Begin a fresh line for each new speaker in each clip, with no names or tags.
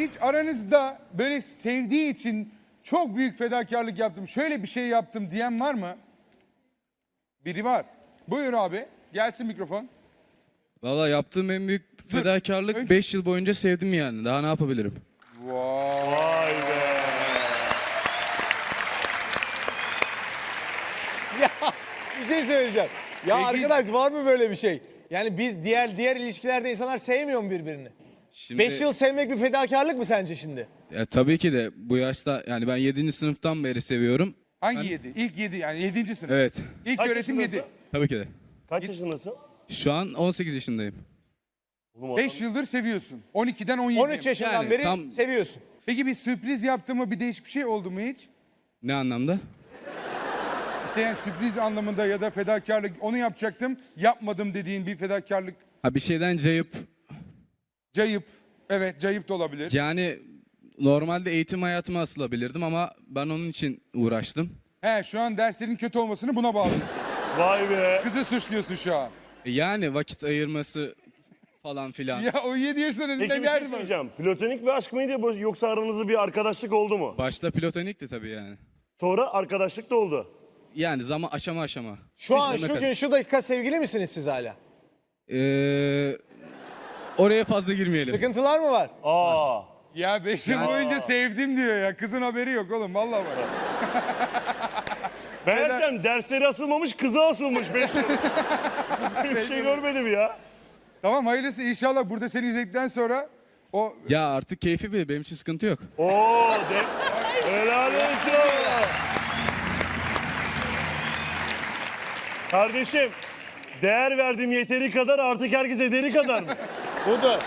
Hiç aranızda böyle sevdiği için çok büyük fedakarlık yaptım, şöyle bir şey yaptım diyen var mı? Biri var. Buyur abi. Gelsin mikrofon.
Valla yaptığım en büyük fedakarlık
Önce-
5 yıl boyunca sevdim yani. Daha ne yapabilirim?
Vay be.
Ya bir şey söyleyeceğim. Ya
Peki-
arkadaş var mı böyle bir şey? Yani biz diğer ilişkilerde insanlar sevmiyor mu birbirini?
Şimdi,
5 yıl sevmek bir fedakarlık mı sence şimdi?
tabii ki de bu yaşta yani ben 7. sınıftan beri seviyorum.
Hangi 7? İlk 7 yani 7. sınıf.
Evet.
İlk
Kaç
öğretim
yaşındasın?
7.
Tabii ki de.
Kaç yaşındasın?
Şu an 18 yaşındayım.
Oğlum
5 yıldır seviyorsun. 12'den 17'ye.
13 yaşından
Yani
beri
tam-
seviyorsun.
Peki bir sürpriz yaptı mı, bir değişik bir şey oldu mu hiç?
Ne anlamda?
İşte yani sürpriz anlamında ya da fedakarlık, onu yapacaktım, yapmadım dediğin bir fedakarlık.
Ha bir şeyden cayıp
Cayıp. Evet, cayıp da olabilir.
yani normalde eğitim hayatıma asılabilirdim ama ben onun için uğraştım.
He, şu an derslerin kötü olmasını buna bağlıyorsun.
Vay be.
Kızı suçluyorsun şu an.
Yani vakit ayırması falan filan.
Ya o 7 yaşında
Peki
ne
bir şey
derdi var?
söyleyeceğim. Platonik bir aşk mıydı yoksa aranızda bir arkadaşlık oldu mu?
Başta platonikti tabii yani.
Sonra arkadaşlık da oldu.
Yani zaman aşama aşama.
Şu an
Sonuna
şu
kadar.
gün şu dakika sevgili misiniz siz hala?
Oraya fazla girmeyelim.
Sıkıntılar mı var?
Aa.
Ya 5 yıl boyunca sevdim diyor ya. Kızın haberi yok oğlum, vallahi var.
Meğersem dersleri asılmamış, kızı asılmış 5 yıl. Bir şey görmedim ya.
Tamam, hayırlısı inşallah burada seni izledikten sonra o
Ya artık keyfi bile benim için sıkıntı yok.
Oo, helal olsun. Kardeşim, değer verdiğim yeteri kadar artık herkes ederi kadar mı?
Budur.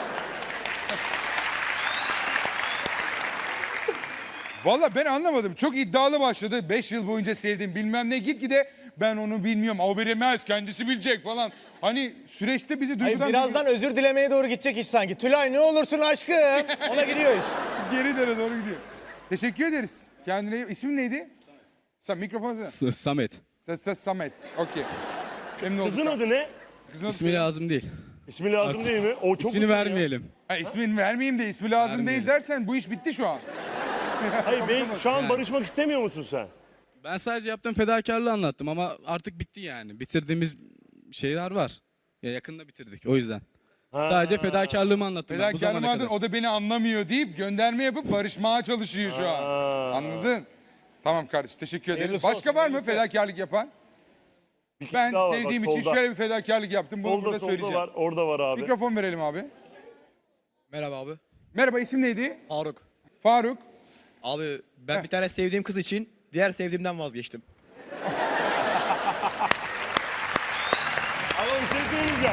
Valla ben anlamadım. Çok iddialı başladı. 5 yıl boyunca sevdim bilmem ne, gitgide ben onu bilmiyorum. O bilemez, kendisi bilecek falan. Hani süreçte bizi
Hayır,
duygudan
birazdan özür dilemeye doğru gidecek iş sanki. Tülay ne olursun aşkım. Ona gidiyor iş.
geri döne doğru gidiyor. Teşekkür ederiz. Kendine ismin neydi? Sen mikrofonu
Samet.
Samet. Okey. Memnun olduk.
Kızın adı ne?
Kızın adı-
İsmi lazım değil.
İsmi lazım değil mi? O çok
İsmini
uzun ya.
vermeyelim.
Ha, ismini vermeyeyim de ismi lazım değil
Vermeyelim.
dersen bu iş bitti şu an.
Hayır, şu an
Yani.
barışmak istemiyor musun sen?
Ben sadece yaptığım fedakarlığı anlattım ama artık bitti yani. Bitirdiğimiz şeyler var. Ya yakında bitirdik o yüzden. Sadece fedakarlığımı anlattım ben bu
Fedakarlığım
zamana
adın,
kadar.
o da beni anlamıyor deyip gönderme yapıp barışmaya çalışıyor şu an. Anladın? Tamam kardeşim, teşekkür ederim.
Hayırlısı
Başka
olsun,
var mı
hayırlısı.
fedakarlık yapan?
Bir kişi
Ben
daha var,
sevdiğim
bak,
için
solda.
şöyle bir fedakarlık yaptım. Bunu burada
Solda
söyleyeceğim.
var, orada var abi.
Mikrofon verelim abi.
Merhaba abi.
Merhaba, isim neydi?
Faruk.
Faruk.
Abi ben bir tane sevdiğim kız için diğer sevdiğimden vazgeçtim.
Ama bir şey söyleyeceğim.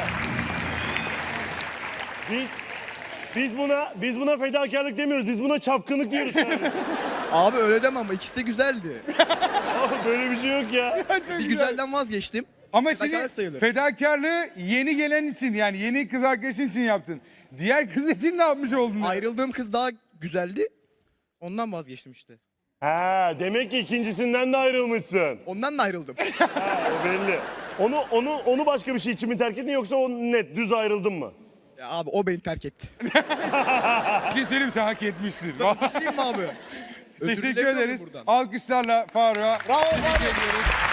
Biz buna fedakarlık demiyoruz. Biz buna çapkınlık diyoruz. kardeşim.
Abi öyle deme ama ikisi de güzeldi.
Ama böyle bir şey yok ya.
Bir güzelden vazgeçtim.
Ama
Fedakarlık
şimdi
sayılır.
fedakarlığı yeni gelen için, yani yeni kız arkadaşın için yaptın. Diğer kız için ne yapmış oldun?
Ayrıldığım kız daha güzeldi. Ondan vazgeçtim işte.
Ha, demek ki ikincisinden de ayrılmışsın.
Ondan da ayrıldım.
O belli. Onu başka bir şey için mi terk ettin yoksa o net düz ayrıldın mı?
Ya abi o beni terk etti.
Bir şey söyleyeyim, sen hak etmişsin.
Değil mi abi? Özür
Teşekkür
dilerim
ederiz.
buradan.
Alkışlarla Faruk'a
Bravo,
teşekkür
bravo.
ediyoruz.